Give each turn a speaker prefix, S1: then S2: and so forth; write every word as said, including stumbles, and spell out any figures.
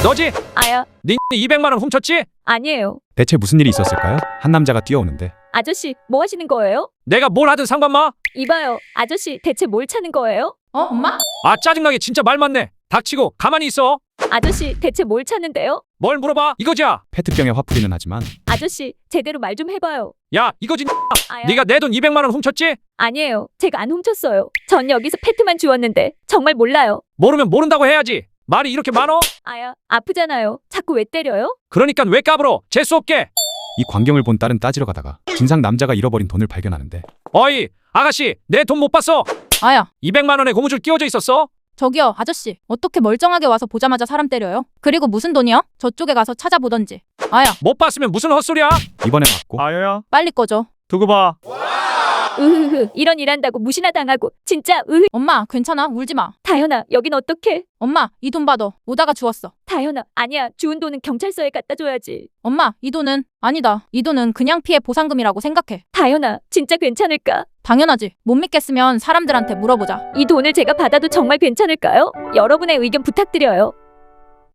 S1: 너지?
S2: 아야,
S1: 니 이백만 원 훔쳤지?
S2: 아니에요.
S3: 대체 무슨 일이 있었을까요? 한 남자가 뛰어오는데
S2: 아저씨, 뭐 하시는 거예요?
S1: 내가 뭘 하든 상관마?
S2: 이봐요. 아저씨, 대체 뭘 차는 거예요?
S4: 어, 엄마?
S1: 아 짜증나게 진짜 말 많네. 닥치고 가만히 있어.
S2: 아저씨, 대체 뭘 차는데요?
S1: 뭘 물어봐? 이거지야.
S3: 페트병에 화풀이는 하지만
S2: 아저씨, 제대로 말 좀 해봐요.
S1: 야 이거지.
S2: 아야,
S1: 네가 내 돈 이백만 원 훔쳤지?
S2: 아니에요. 제가 안 훔쳤어요. 전 여기서 페트만 주웠는데 정말 몰라요.
S1: 모르면 모른다고 해야지. 말이 이렇게 많어?
S2: 아야, 아프잖아요. 자꾸 왜 때려요?
S1: 그러니까 왜 까불어? 재수 없게.
S3: 이 광경을 본 딸은 따지러 가다가 진상 남자가 잃어버린 돈을 발견하는데
S1: 어이 아가씨 내 돈 못 봤어.
S4: 아야,
S1: 이백만 원에 고무줄 끼워져 있었어?
S4: 저기요, 아저씨. 어떻게 멀쩡하게 와서 보자마자 사람 때려요? 그리고 무슨 돈이요? 저쪽에 가서 찾아보던지. 아야,
S1: 못 봤으면 무슨 헛소리야?
S3: 이번에 맞고
S1: 아여야
S4: 빨리 꺼줘.
S1: 두고 봐.
S2: 으흐흐, 이런 일 한다고 무시나 당하고. 진짜 으흐.
S4: 엄마, 괜찮아? 울지 마.
S2: 다현아, 여긴 어떡해?
S4: 엄마, 이 돈 받아. 오다가 주웠어.
S2: 다현아, 아니야. 주운 돈은 경찰서에 갖다 줘야지.
S4: 엄마, 이 돈은 아니다. 이 돈은 그냥 피해 보상금이라고 생각해.
S2: 다현아, 진짜 괜찮을까?
S4: 당연하지. 못 믿겠으면 사람들한테 물어보자.
S2: 이 돈을 제가 받아도 정말 괜찮을까요? 여러분의 의견 부탁드려요.